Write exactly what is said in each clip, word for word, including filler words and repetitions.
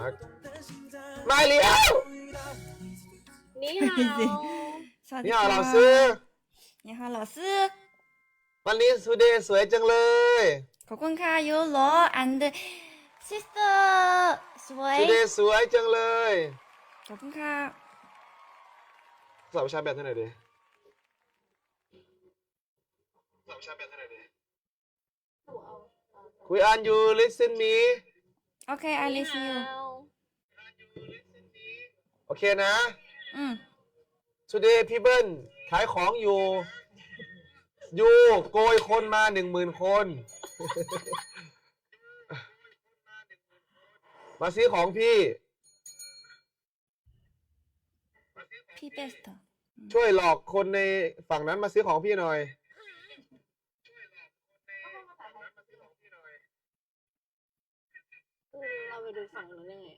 ากมาเลี้ยวนี่ฮาวนี่ฮาว老师你好老师วันนี้สุเดย์สวยจังเลยขอบคุณค่ะยูโร and sister สวยสุเดย์สวยจังเลยขอบคุณค่ะสอบวิชาแบบเท่าไหร่ดีสอบวิชาแบบเท่าไหร่ดีคุยอัน you listen me โอเค I listen you โอเคนะอืม today พี่เบิ้ลขายของอยู่อยู่โกยคนมาหนึ่งหมื่นคน มาซื้อของพี่พี่เบสต์ช่วยหลอกคนในฝั่งนั้นมาซื้อของพี่หน่อยเราไปดูฝั่งนู้นยังไง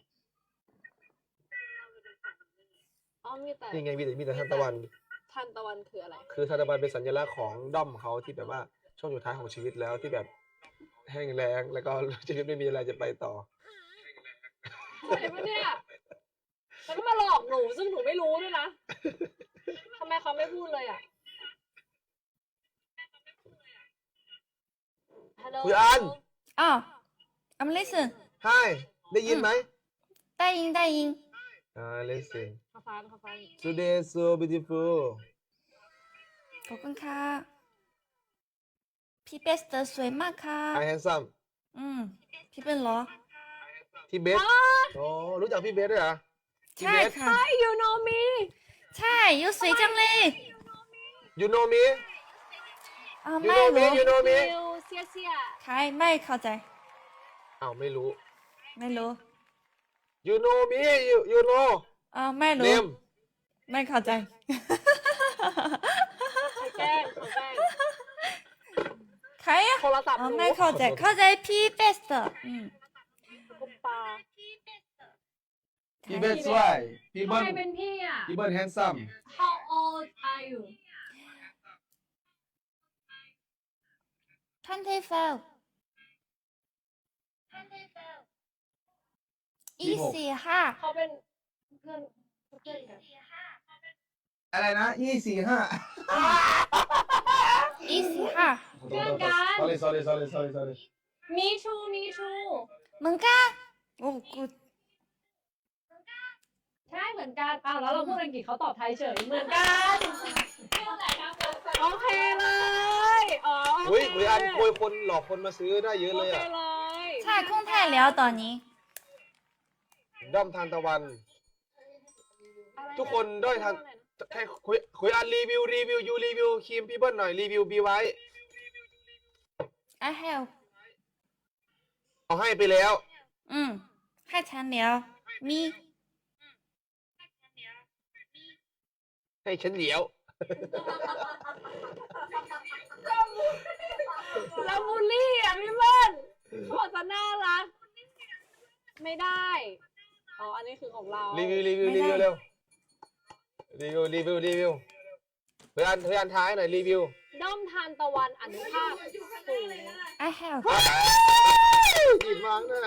อ๋อมีแต่นี่ไงมีแต่มีแต่ทานตะวันทันตะวันคืออะไรคือทานตะวันเป็นสัญลักษณ์ของด้อมเขาที่แบบว่าช่วงสุดท้ายของชีวิตแล้วที่แบบแห้งแล้งแล้วก็ชีวิตไม่มีอะไรจะไปต่อใช่ปะเนี่ยแล้วก็มาหลอกหนูซึ่งหนูไม่รู้ด้วยนะทำไมเขาไม่พูดเลยอ่ะฮัลโหลคุยอันอ๋อ I'm listen Hi ได้ยินไหมได้ยินได้ยินอ่า listen ข้าฟังข้าฟัง today so beautiful ขอบคุณค่ะพี่เบสต์สวยมากค่ะ I handsome อืมพี่เป็นเหรอพี่เบสโอ้รู้จักพี่เบสด้วยเหรอใช่ค่ะ Hi you know me ใช่ยูสวยจังเลย you know me อ๋อ you ไม่ know รู้ me you know me ฟิวเสียเสียใครไม่เข้าใจอ้าวไม่รู้ไม่รู้ you know me you you know อ๋อไม่รู้ name ไม่เข้าใจเขาแกล้งเขาแกล้งใครอะโทรศัพท์อ๋อหนูไม่เข้าใจเข้าใจพี่เบสต์อืมคุณปาพี่เบสสวยพี่ทำเบิ้ลไมเป็นพี่อ่ะพี่เบิ้ล handsome How old are you twenty-five ยี่สิบห้าเขาเป็นเพื่อนเพื่อนกันอะไรนะยี่สี่ห้ายี่สิบห้าเพื่อนกัน sorry sorry sorry sorry sorry มีชูมีชูเหมือนกันโอ้กูดใช่เหมือนกันอ้าวแล้วเราพูดอังกฤษเขาตอบไทยเฉยเหมือนกันโอเคเลยอ๋อโออุ้ยเคคุยอันคุยคนหลอกคนมาซื้อได้เยอะโอเลยเคอ่ะเลยใช่คงไทยแล้วตอนนี้ด้อมทานตะวัน ทุกคนด้อยทานแค่คุยคุยอันรีวิวรีวิวยูรีวิวครีมพี่เบิ้ลหน่อยรีวิวบีไว้ I have เอาให้ไปแล้วอืมให้ฉันแล้วมีให้ฉันเหลียวเราบูลลี่อ่ะพี่เบิ้ลเขาบอกจะน่ารักไม่ได้อ๋ออันนี้คือของเรารีวิวรีวิวรีวิวเร็วรีวิวรีวิวรีวิวเพื่อนเพื่อนท้ายหน่อยรีวิวด้อมทานตะวันอนุภาคสูง I have หยิบมาเนี่ย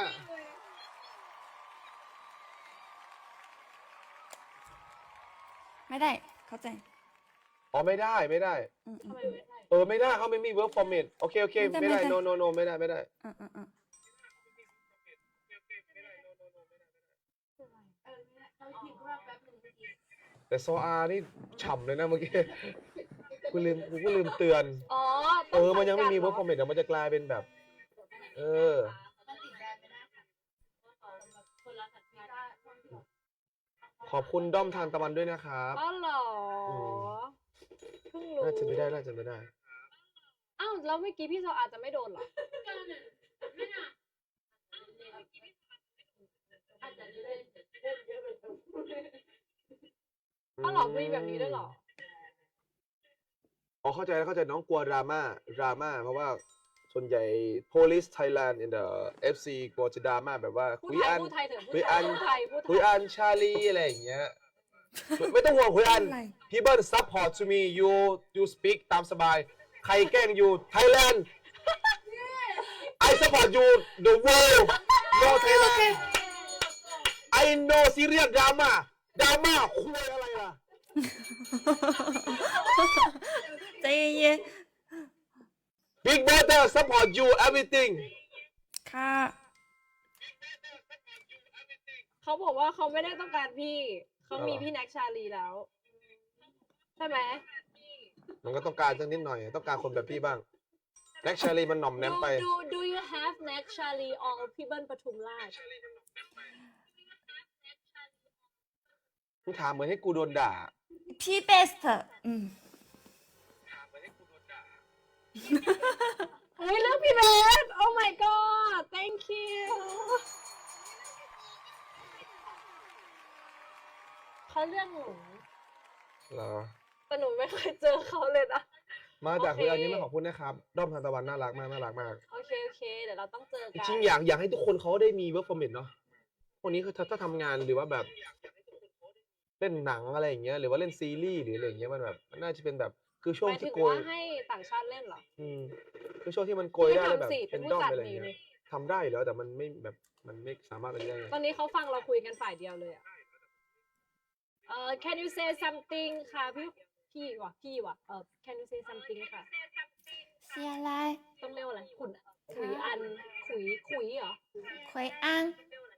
ไม่ได้เข้าใจอ๋อไม่ได้ไม่ได้อืมอืทำมไมอืมไม่ได้เออไม่ได้เขาไม่มี work permit โอเคโอเคไม่ได้ไม่ได้ไม่ได้ no no no ไม่ได้ไม่ได้อืมอืมอืมแต่โซอานี่ฉ่ำเลยนะเมื่อกี้ กูลืมกูก็ลืมเตือนอ๋อเออมันยังไม่มี work permit เดี๋ยวมันจะกลายเป็นแบบ เออ ขอบคุณด้อมทานตะวันด้วยนะครับอ๋อเหรออืมเพิ่งรู้น่าจะไม่ได้น่าจะไม่ได้อ้าวแล้วเมื่อกี้พี่โซอาจะไม่โดนเหรออ้าวเหรอมีแบบนี้ด้วยเหรออ๋อเข้าใจแล้วเข้าใจน้องกลัวดราม่าดราม่าเพราะว่าส่วนใหญ่ police Thailand in the เอฟ ซี กลัวจะดราม่าแบบว่าพูดคุยไทยอันพูดไทยเถอะคุยอันพูดไทยพูดไทคุยยอันชาลีอะไรอย่างเงี้ย ไม่ต้องห่วงคุยอันอะไร people support to me you you speak ตามสบาย ใครแกล้งอยู่ Thailand I support you the world no Thailand โนซีเรียสดราม่าดราม่าคุยอะไรล่ะใจเย็น Big Brother support you everything ๆค่ะเขาบอกว่าเขาไม่ได้ต้องการพี่ เขามีอ๋อพี่แน็กชาลีแล้ว ใช่ไหมมันก็ต้องการสักนิดหน่อย ต้องการคนแบบพี่บ้างแน็กชาลีมันหน่อมแนม do ไป do do you have แน็กชาลี or พี่เบิ้ลปทุมราชมึงถามเหมือนให้กูโดนด่าพี่เบสต์อืมเฮ้ยเรื่องพี่เบส oh my god thank you เขาเรื่องหนูเหรอแต่หนูไม่เคยเจอเขาเลยนะมาจากโอเคคืออันนี้ไม่ขอบคุณนะครับ ด้อมทานตะวันน่ารักมากน่ารักมากโอเค โอเค เดี๋ยวเราต้องเจอจกันริงๆอยากอยากให้ทุกคนเขาได้มี work permit เนาะพวกนี้คือถ้าถ้าทำงานหรือว่าแบบ เล่นหนังอะไรอย่างเงี้ย หรือว่าเล่นซีรีส์หรืออะไรอย่างเงี้ยมันแบบมันน่าจะเป็นแบบคือช่วหงมายถึที่งโกยว่าให้ต่างชาติเล่นเหรออืมคือช่วงที่มันโกยพี่ได้แล้วแบบทำสิเป็นเป็นผู้ด้อมจัดอะไรอย่างนี่เงี้ยนี่ทำได้อยู่แล้วแต่มันไม่แบบมันไม่สามารถเป็นได้ไงตอนนี้เขาฟังเราคุยกันฝ่ายเดียวเลยอะเอ่อ can you say something ค่ะพี่พี่ว่ะพี่ว่ะเอ่อ can you say something ค่ะเสียอะไรต้องเรียกว่าอะไรขุนขุยอัน ขุย ขุยเหรอขวยอัง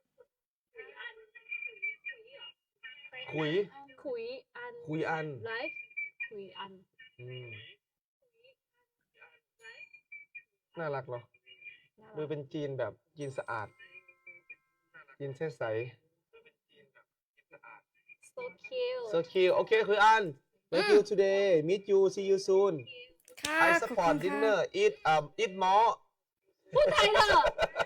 คุยขุยอันคุยอันไลฟ์ขุยอันอืมน่ารักเนาะน่ามืรัอก เป็นจีนแบบจีนสะอาดจีนเส้นใส so cute so cute โอเคคืออัน thank you today meet you see you soon ค่ะ I ขอบคุ support ณค่ะ dinner eat um eat more พูดไทยเถอะ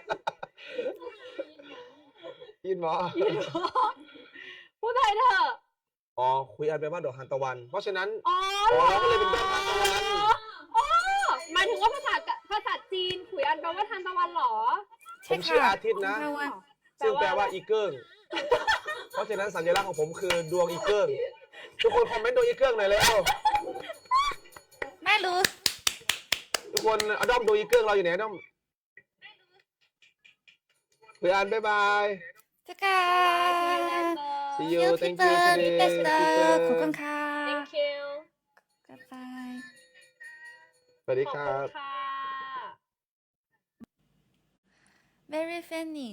eat more พูดไทยเถอะอ๋อคุยอันแปลว่าดอกทานตะวัน เพราะฉะนั้นอ๋ออ๋อเราก็เลยเป็นดอกทานตะวันอ๋อหมายถึงว่าภาษากะภาษาจีนขุยอันแปลว่าทานตะวันเหรอผมชื่ออาทิตย์นะขอบคุณค่ะซึ่งแปลว่าอีเกิ้ง เพราะฉะนั้นสัญลักษณ์ของผมคือดวงอีเกิ้ง ทุกคนคอมเมนต์ดวงอีเกิ้งหน่อยเร็วไม่รู้ทุกคนเอาด้อมดวงอีเกิ้งเราอยู่ไหนด้อมคุยอันบ๊ายบายจะกัน see เดี๋ you ยวพี่ thank เปิ you ดพี่เบ today สต์ Peter ขอบคุณค่ะ thank you บ๊ายบายสวัสดีขอบคคุรับณค่ะ very funny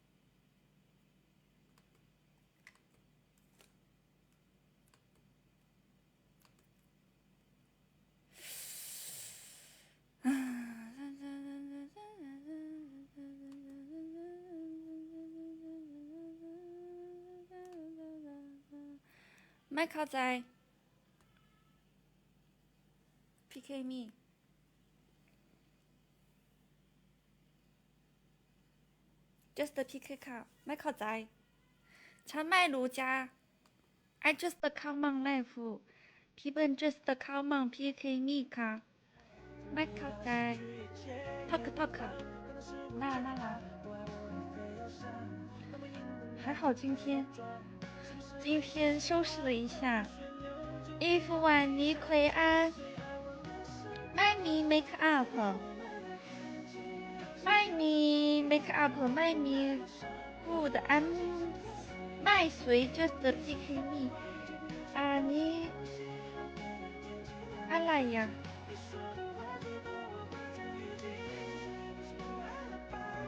ไม่เข้าใจ พี่เคมี just พี่เคค่ะ ไม่เข้าใจ ฉันไม่รู้จ้า I just เข้ามังไลฟ์พี่เบิ้ล just เข้ามังพี่เคมีค่ะ ไม่เข้าใจพักพักค่ะน่าน่ารัก还好今天今天收拾了一下衣服碗泥葵安麦米 make up 麦米 make up 麦米 good and 麦穗 just pick me อันนี้อะไร呀